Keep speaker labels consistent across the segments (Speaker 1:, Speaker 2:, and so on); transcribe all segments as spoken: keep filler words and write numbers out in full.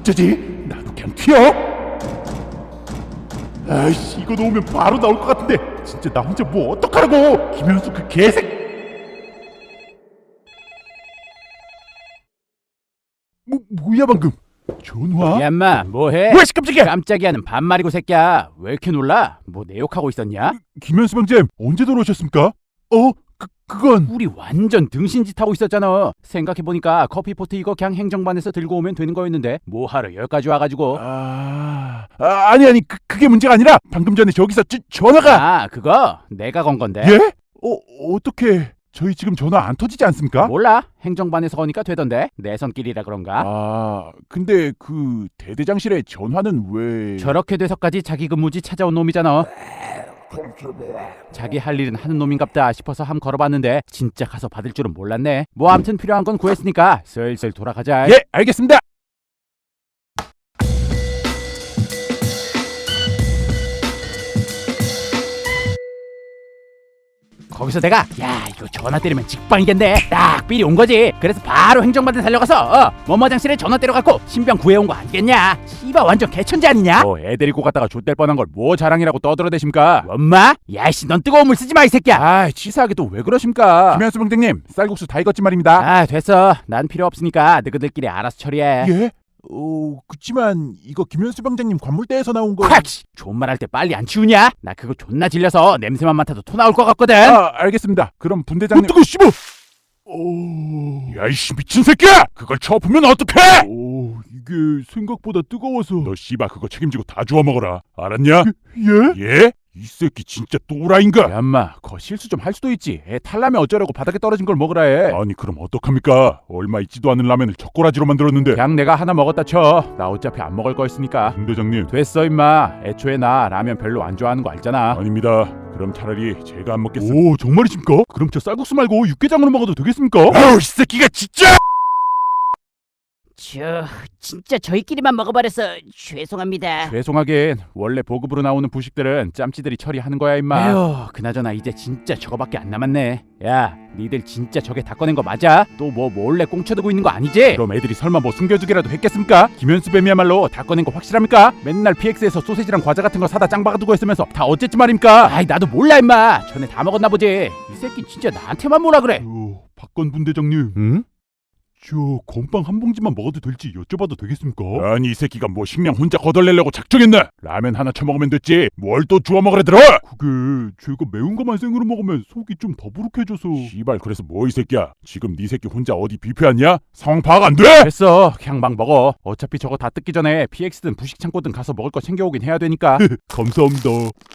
Speaker 1: 어쩌지? 나도 그냥 튀어. 아이씨, 이거 놓으면 바로 나올 것 같은데 진짜 나 혼자 뭐 어떡하라고. 김현수 그 개새. 뭐 뭐야 방금? 전화?
Speaker 2: 야 인마 뭐해?
Speaker 1: 뭐야, 씨, 깜짝이야.
Speaker 2: 깜짝이야는 반말이고 새끼야. 왜 이렇게 놀라? 뭐 내 욕하고 있었냐?
Speaker 1: 김현수 방잼 언제 들어오셨습니까? 어? 그, 그건
Speaker 2: 우리 완전 등신짓 하고 있었잖아. 생각해보니까 커피포트 이거 그냥 행정반에서 들고 오면 되는 거였는데 뭐하러 여기까지 와가지고.
Speaker 1: 아... 아 아니 아니 그, 그게 문제가 아니라 방금 전에 저기서 지, 전화가.
Speaker 2: 아 그거 내가 건 건데.
Speaker 1: 예? 어 어떻게 저희 지금 전화 안 터지지 않습니까?
Speaker 2: 몰라. 행정반에서 거니까 되던데. 내 손길이라 그런가?
Speaker 1: 아 근데 그 대대장실에 전화는 왜...
Speaker 2: 저렇게 돼서까지 자기 근무지 찾아온 놈이잖아. 자기 할 일은 하는 놈인갑다 싶어서 함 걸어봤는데 진짜 가서 받을 줄은 몰랐네. 뭐 암튼 필요한 건 구했으니까 슬슬 돌아가자.
Speaker 1: 예 알겠습니다.
Speaker 2: 거기서 내가 야 이거 전화 때리면 직방이겠네 딱 삘이 온 거지. 그래서 바로 행정반에 달려가서 어, 뭐뭐장실에 전화 때려갖고 신병 구해온 거 아니겠냐. 씨발 완전 개천재 아니냐.
Speaker 1: 어 애 데리고 갔다가 좆될 뻔한 걸 뭐 자랑이라고 떠들어대십니까?
Speaker 2: 엄마? 야이씨 넌 뜨거운 물 쓰지 마 이 새끼야.
Speaker 1: 아 치사하게 또 왜 그러십니까? 김현수 병장님 쌀국수 다 익었지 말입니다.
Speaker 2: 아 됐어. 난 필요 없으니까 너희들끼리 알아서 처리해.
Speaker 1: 예? 어 그치만 이거 김현수 병장님 관물대에서 나온 거...
Speaker 2: 콱! 존말할 때 빨리 안 치우냐? 나 그거 존나 질려서 냄새만 맡아도 토 나올 것 같거든.
Speaker 1: 아 알겠습니다. 그럼 분대장님... 어 뜨거 씨발! 오... 야이씨 미친 새끼야! 그걸 쳐보면 어떡해! 오 이게 생각보다 뜨거워서... 너 씨발 그거 책임지고 다 주워 먹어라. 알았냐? 예? 예? 이 새끼 진짜 또라이인가? 야 인마 거 실수 좀 할 수도 있지. 애 탈라면 어쩌려고 바닥에 떨어진 걸 먹으라 해. 아니 그럼 어떡합니까? 얼마 있지도 않은 라면을 젓가락으로 만들었는데.
Speaker 2: 그냥 내가 하나 먹었다 쳐. 나 어차피 안 먹을 거였으니까.
Speaker 1: 분대장님
Speaker 2: 됐어 임마. 애초에 나 라면 별로 안 좋아하는 거 알잖아.
Speaker 1: 아닙니다. 그럼 차라리 제가 안 먹겠습니다. 오 정말이십니까? 그럼 저 쌀국수 말고 육개장으로 먹어도 되겠습니까? 아우 이 새끼가 진짜!
Speaker 3: 저 진짜 저희끼리만 먹어버려서 죄송합니다.
Speaker 2: 죄송하긴 원래 보급으로 나오는 부식들은 짬찌들이 처리하는 거야 임마. 에휴 그나저나 이제 진짜 저거밖에 안 남았네. 야 니들 진짜 저게 다 꺼낸 거 맞아? 또 뭐 몰래 꽁쳐두고 있는 거 아니지?
Speaker 1: 그럼 애들이 설마 뭐 숨겨두기라도 했겠습니까?
Speaker 2: 김현수 뱀이야말로 다 꺼낸 거 확실합니까? 맨날 피엑스에서 소세지랑 과자 같은 거 사다 짱 박아두고 했으면서 다 어쨌지 말입니까? 아이 나도 몰라 임마. 전에 다 먹었나 보지. 이 새끼 진짜 나한테만 뭐라 그래.
Speaker 1: 어, 박건 분대장님
Speaker 2: 응?
Speaker 1: 저 건빵 한 봉지만 먹어도 될지 여쭤봐도 되겠습니까? 아니 이 새끼가 뭐 식량 혼자 거덜내려고 작정했나? 라면 하나 처먹으면 됐지 뭘 또 주워 먹으래 들어? 그게 제가 매운 거만 생으로 먹으면 속이 좀 더부룩해져서. 씨발 그래서 뭐 이 새끼야 지금 네 새끼 혼자 어디 뷔페 왔냐? 상황 파악 안 돼?
Speaker 2: 됐어 그냥 막 먹어. 어차피 저거 다 뜯기 전에 피엑스든 부식창고든 가서 먹을 거 챙겨오긴 해야 되니까.
Speaker 1: 감사합니다.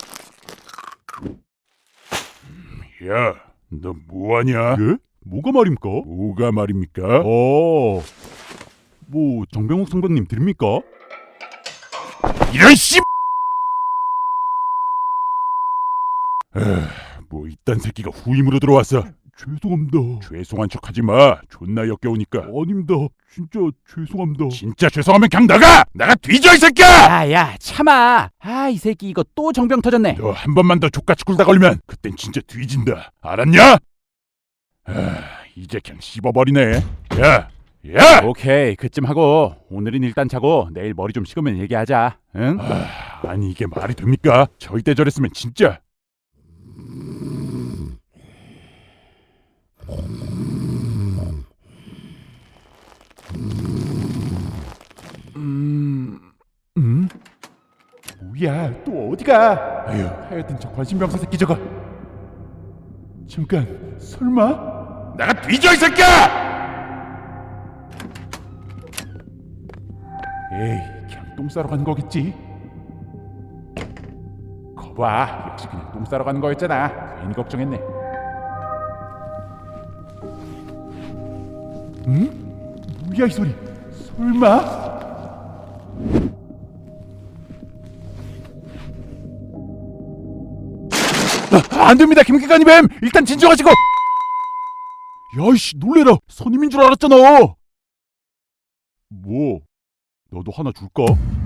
Speaker 1: 야 너 뭐하냐? 예? 뭐가 말입니까? 뭐가 말입니까? 어, 뭐 정병욱 선배님 들립니까? 이런 씨! 뭐 이딴 새끼가 후임으로 들어왔어. 죄송합니다. 죄송한 척하지 마. 존나 역겨우니까. 아닙니다. 진짜 죄송합니다. 진짜 죄송하면 그냥 나가! 나가 뒤져 이 새끼야!
Speaker 2: 야야 참아. 아 이 새끼 이거 또 정병 터졌네.
Speaker 1: 너 한 번만 더 족같이 굴다 걸리면 그땐 진짜 뒤진다. 알았냐? 아, 이제 그냥 씹어버리네. 야, 야!
Speaker 2: 오케이 그쯤 하고 오늘은 일단 자고 내일 머리 좀 식으면 얘기하자. 응?
Speaker 1: 아, 아니 이게 말이 됩니까? 저 이때 저랬으면 진짜. 음, 음? 뭐야? 또 어디가? 아유, 하여튼 저 관심병사 새끼 저거. 잠깐, 설마? 나가 뒤져 이 새끼야! 에이, 그냥 똥 싸러 간 거겠지? 거봐, 역시 그냥 똥 싸러 가는 거였잖아. 괜히 걱정했네. 응? 뭐야 이 소리? 설마? 아, 안 됩니다, 김기관이 뱀! 일단 진정하시고! 야이씨, 놀래라! 선임인 줄 알았잖아! 뭐, 너도 하나 줄까?